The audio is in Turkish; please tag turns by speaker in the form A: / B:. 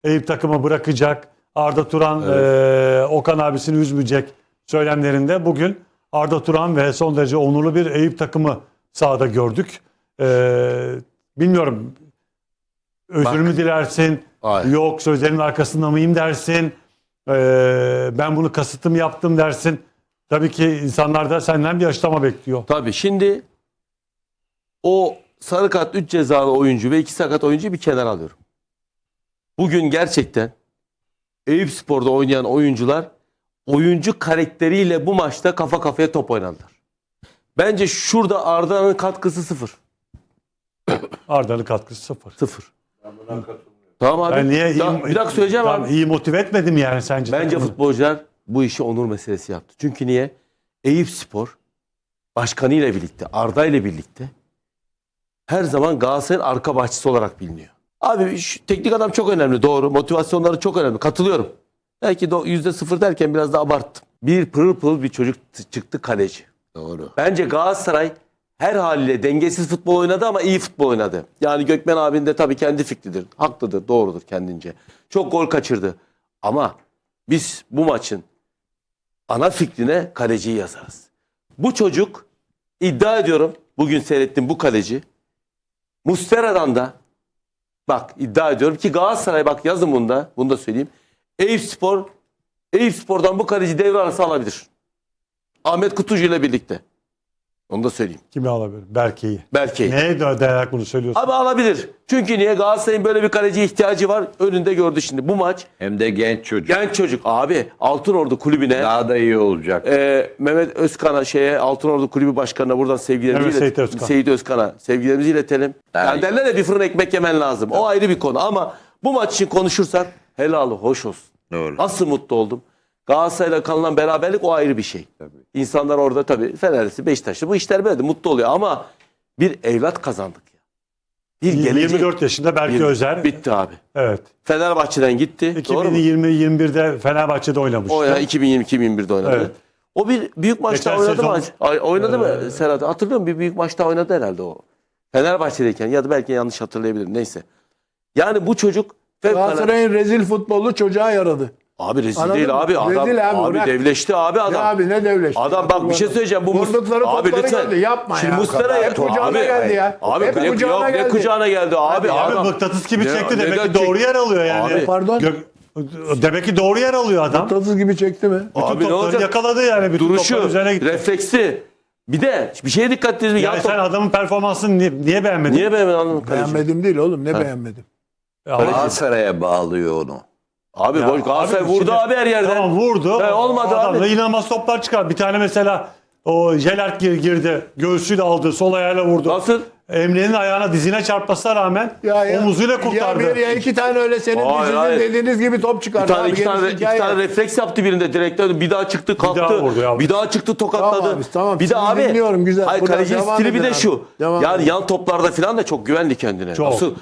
A: Eyüp takımı bırakacak. Arda Turan Okan abisini üzmeyecek söylemlerinde bugün Arda Turan ve son derece onurlu bir Eyüp takımı sahada gördük. Bilmiyorum, özür mü dilersin?
B: Hayır.
A: Yok, sözlerin arkasında mıyım dersin? Ben bunu kasıtlı mı yaptım dersin? Tabii ki insanlar da senden bir açıklama bekliyor.
B: Tabii şimdi o sarı kart 3 cezalı oyuncu ve 2 sakat oyuncuyu bir kenara alıyorum. Bugün gerçekten Eyüpspor'da oynayan oyuncular oyuncu karakteriyle bu maçta kafa kafaya top oynadılar. Bence şurada Arda'nın katkısı 0.
A: Arda'nın katkısı 0.
B: 0. Tamam abi.
A: Ben niye
B: Bir dakika söyleyeceğim
A: tamam,
B: abi.
A: iyi motive etmedim yani sence?
B: Bence
A: takımı?
B: futbolcular bu işi onur meselesi yaptı. Çünkü niye? Eyüpspor başkanı ile birlikte, Arda ile birlikte her zaman Galatasaray'ın arka bahçesi olarak biliniyor. Abi şu teknik adam çok önemli, doğru. Motivasyonları çok önemli. Katılıyorum. Belki de %0 derken biraz da abarttım. Bir pırıl pırıl bir çocuk çıktı, kaleci.
C: Doğru.
B: Bence Galatasaray her haliyle dengesiz futbol oynadı ama iyi futbol oynadı. Yani Gökmen abinin de tabii kendi fikridir. Haklıdır, doğrudur kendince. Çok gol kaçırdı. Ama biz bu maçın ana fikrine kaleciyi yazarız. Bu çocuk, iddia ediyorum, bugün seyrettim bu kaleci. Muslera'dan da bak iddia ediyorum ki Galatasaray, bak yazın bunu da söyleyeyim. Eyüpspor'dan bu kaleci devre arası alabilir. Ahmet Kutucu ile birlikte. Onu da söyleyeyim.
A: Kimi alabilir? Berke'yi.
B: Berke'yi.
A: Neye dayanarak bunu söylüyorsun?
B: Abi alabilir. Çünkü niye? Galatasaray'ın böyle bir kaleciye ihtiyacı var. Önünde gördü şimdi. Bu maç
C: Hem de genç çocuk.
B: genç çocuk. Abi Altınordu kulübüne
C: Daha da iyi olacak.
B: Mehmet Özkan'a Altınordu kulübü başkanına buradan sevgilerimizi
A: Evet, Seyit Özkan.
B: Seyit Özkan'a sevgilerimizi iletelim. Yani
C: Evet.
B: derler ya, bir fırın ekmek yemen lazım. O ayrı bir konu ama bu maç için konuşursak helalı hoş olsun.
C: Doğru.
B: Nasıl mutlu oldum. Galatasaray'la kalınan beraberlik o ayrı bir şey.
C: Tabii.
B: İnsanlar orada tabii Fenerlisi, Beşiktaşlı bu işler böyle de mutlu oluyor ama bir evlat kazandık ya. Bir gelecek.
A: 24 yaşında Berke Özer.
B: Bitti abi.
A: Evet.
B: Fenerbahçe'den gitti. Doğru mu?
A: 2020-21'de Fenerbahçe'de oynamıştı.
B: O ya 2020-2021'de oynadı.
A: Evet.
B: O bir büyük maçta
A: Geçen
B: oynadı mı?
A: sezon-
B: Oynadı mı Serhat? Hatırlıyor musun? Bir büyük maçta oynadı herhalde o. Fenerbahçe'deyken ya da belki yanlış hatırlayabilirim. Neyse. Yani bu çocuk
D: Galatasaray'ın rezil futbolu çocuğa yaradı.
B: abi rezil
D: Anladın
B: değil
D: mı?
B: abi. Adam
D: Rezil abi, bırak.
B: devleşti abi adam.
D: Ne abi ne devleşti.
B: Adam bak bir şey söyleyeceğim. Bu
D: Vurdukları
B: abi
D: topları
B: lütfen.
D: geldi. Yapma
B: Şimdi
D: ya.
B: Muslera'ya
D: Hep kucağına geldi ya.
B: Abi
D: Hep
B: ne
D: kucağına
B: ne
D: geldi.
B: kucağına geldi abi.
A: Abi
B: Adam.
A: mıknatıs gibi
B: Ne-
A: çekti. Demek
B: neden
A: ki doğru yer alıyor yani.
B: Abi,
D: pardon.
A: Demek ki doğru yer alıyor adam.
D: Tatsız gibi çekti mi?
A: Bütün
B: Abi ne
A: topları
B: olacak?
A: yakaladı yani. Bütün
B: Duruşu,
A: topların üzerine gitti.
B: refleksi. Bir de bir şeye dikkat edin.
A: Yani sen adamın performansını niye beğenmedin?
B: Niye beğenmedin anlamadım.
D: Beğenmedim değil oğlum. Ne beğenmedim?
C: Galatasaray'a bağlıyor onu.
B: Abi Galatasaray vurdu
A: şimdi-
B: abi her yerden.
A: Tamam vurdu.
B: Olmadı
A: Adam da
B: abi.
A: inanılmaz toplar çıkar. Bir tane mesela o Jelert girdi. Göğsüyle aldı. Sol ayağıyla vurdu.
B: Nasıl?
A: Emre'nin ayağına dizine çarpmasına rağmen omuzuyla kurtardı.
D: Ya bir ya iki tane öyle senin
B: Hayır,
D: dizinin
B: hayır.
D: dediğiniz gibi top çıkardı. abi.
B: İki
D: Gerisi hikaye.
B: tane refleks yaptı birinde direkten. Bir daha çıktı kalktı.
A: daha vurdu ya.
B: Bir daha çıktı tokatladı.
D: Tamam abi, tamam.
B: Bir de
D: Sizi
B: abi.
D: dinliyorum, güzel.
B: Hayır
D: Buradan
B: kalecinin
D: devam
B: stili bir
D: edin
B: de
D: abi.
B: şu.
D: Devam
B: Yani
D: edin.
B: yan toplarda falan da çok güvendi kendine.
A: Çok.
B: Nasıl?